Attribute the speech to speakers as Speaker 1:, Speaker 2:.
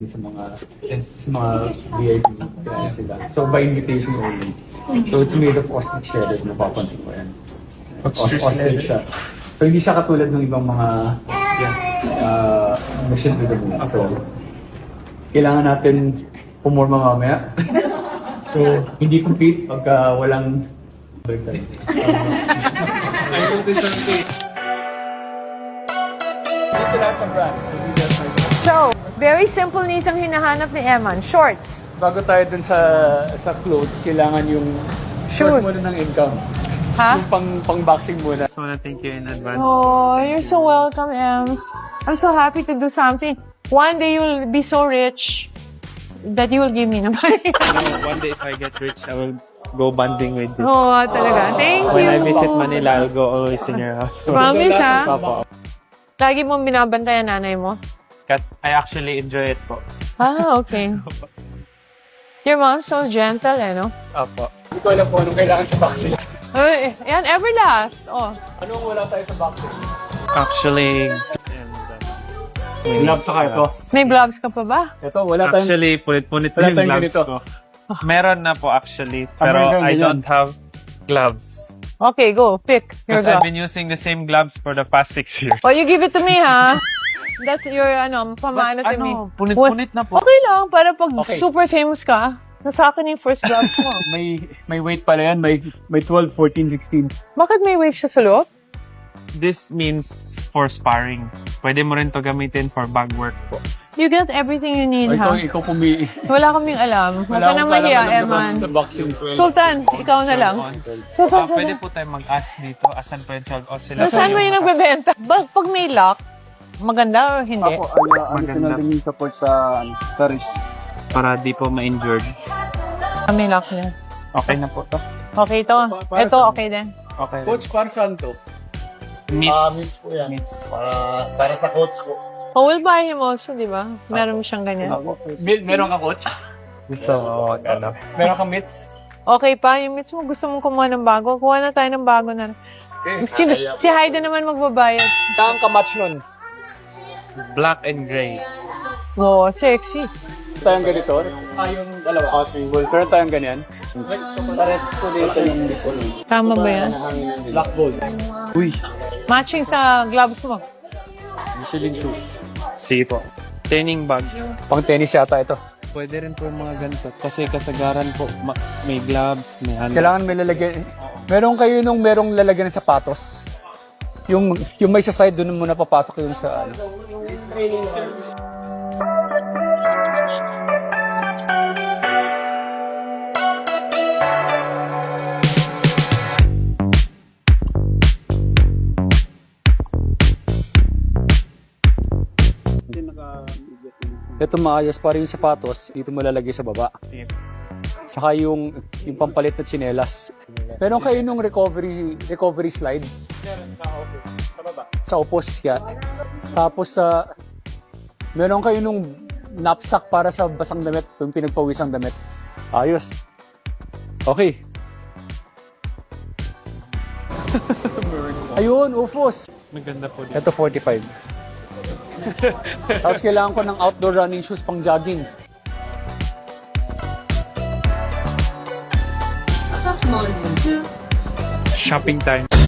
Speaker 1: sa mga VIP kaya sila. So by invitation only. So it's made of ostrich shredded na papansin ko yan. Ostrich siya. So hindi siya katulad ng ibang mga mission to the moon. So kailangan natin pumorma mamaya. So hindi complete pagka walang baliktad.
Speaker 2: I noticed something. Dito lahat ng brands.
Speaker 3: So, very simple needs ang hinahanap ni Eman. Shorts.
Speaker 1: Bago tayo dun sa clothes, kailangan yung
Speaker 3: Shoes.
Speaker 1: first muna ng income.
Speaker 3: Ha?
Speaker 1: Yung pang-boxing muna.
Speaker 2: I wanna thank you in advance.
Speaker 3: Oh, you're so welcome, Ems. I'm so happy to do something. One day you'll be so rich that you will give me na money.
Speaker 2: One day if I get rich, I will go bonding with you.
Speaker 3: Oo, talaga. Thank you.
Speaker 2: When I visit Manila, I'll go always in your house.
Speaker 3: Promise, ha?
Speaker 2: Opo.
Speaker 3: Lagi mong binabantayan nanay mo?
Speaker 2: I actually enjoy it po.
Speaker 3: Ah, okay. Your mom's so gentle, eh, no?
Speaker 2: Opo.
Speaker 1: Hindi ko alam kung anong kailangan sa boxing.
Speaker 3: Ay, yan, Everlast. Oh.
Speaker 1: Anong wala tayo sa boxing?
Speaker 2: Actually,
Speaker 1: Gloves saka ito.
Speaker 3: May gloves ka pa ba?
Speaker 1: Ito, wala tayong...
Speaker 2: Actually, punit-punit
Speaker 1: Wala
Speaker 2: na yung
Speaker 1: tayong
Speaker 2: gloves
Speaker 1: ganito.
Speaker 2: ko. Meron na po actually, pero
Speaker 1: meron
Speaker 2: I
Speaker 1: ganyan.
Speaker 2: don't have gloves.
Speaker 3: Okay, go. Pick your
Speaker 2: Because I've
Speaker 3: glove.
Speaker 2: been using the same gloves for the past 6 years.
Speaker 3: Oh, you give it to me, ha? That's your, pamana to me.
Speaker 2: Punit-punit na po.
Speaker 3: Okay lang, para pag
Speaker 1: Okay.
Speaker 3: super famous ka, nasa akin yung first gloves mo.
Speaker 1: May weight pala yan. May 12, 14, 16.
Speaker 3: Bakit may weight siya sa loob?
Speaker 2: This means for sparring. Pwede mo rin to gamitin for bag work po.
Speaker 3: You get everything you need, ha?
Speaker 1: Ikaw pumili.
Speaker 3: Wala kaming alam. Huwag ka na mahiya, Eman.
Speaker 1: Sa boxing.
Speaker 3: Sultan, ikaw na lang. Sultan,
Speaker 2: Pwede
Speaker 3: Sultan.
Speaker 2: po tayo mag-ask dito. Asan po yung 12 ounce sila?
Speaker 3: Saan mo yung nagbebenta? Pag may lock, maganda o hindi?
Speaker 2: Maganda.
Speaker 1: din yung support sa wrist.
Speaker 2: Para di po ma-injured.
Speaker 3: May lock na.
Speaker 2: Okay na po to.
Speaker 3: Okay ito. Ito, okay din.
Speaker 2: Okay.
Speaker 1: Coach, para saan to?
Speaker 2: Meat.
Speaker 4: Meats po yan. Para sa coach po.
Speaker 3: Oh, we'll buy him also, di ba? Meron siyang ganyan.
Speaker 1: Meron ka, coach?
Speaker 2: Gusto mo ano?
Speaker 1: Meron ka mitts?
Speaker 3: Okay pa, yung miss mo, gusto mong kumuha ng bago? Kuha na tayo ng bago na. Si Haida naman magbabayad.
Speaker 1: Saan ka match nun?
Speaker 2: Black and gray.
Speaker 3: Oo, sexy.
Speaker 1: Tayong ganito? Yung dalawa.
Speaker 4: Possible.
Speaker 1: Meron tayong ganyan? Pares po dito yung
Speaker 3: Tama ba yan?
Speaker 1: black gold.
Speaker 2: Uy.
Speaker 3: Matching sa gloves mo.
Speaker 1: Michelin shoes.
Speaker 2: Sige po. Training bag.
Speaker 1: Pang tennis yata ito.
Speaker 2: Pwede rin po yung mga ganito. Kasi kasagaran po, may gloves, may ano.
Speaker 1: Kailangan may lalagyan. Meron kayo nung merong lalagyan ng sapatos. Yung may sa side doon muna papasok yung sa ano. Ito maayos para yung sapatos, dito mo lalagay sa baba. Saka yung pampalit na tsinelas. Meron kayo nung recovery slides. Sa opos, yeah. Tapos meron kayo nung knapsack para sa basang damit, yung pinagpawisang damit. Ayos. Okay. Ayun, ufos.
Speaker 2: Maganda po dito.
Speaker 1: Ito 45. Tapos kailangan ko ng outdoor running shoes pang jogging.
Speaker 2: Shopping time.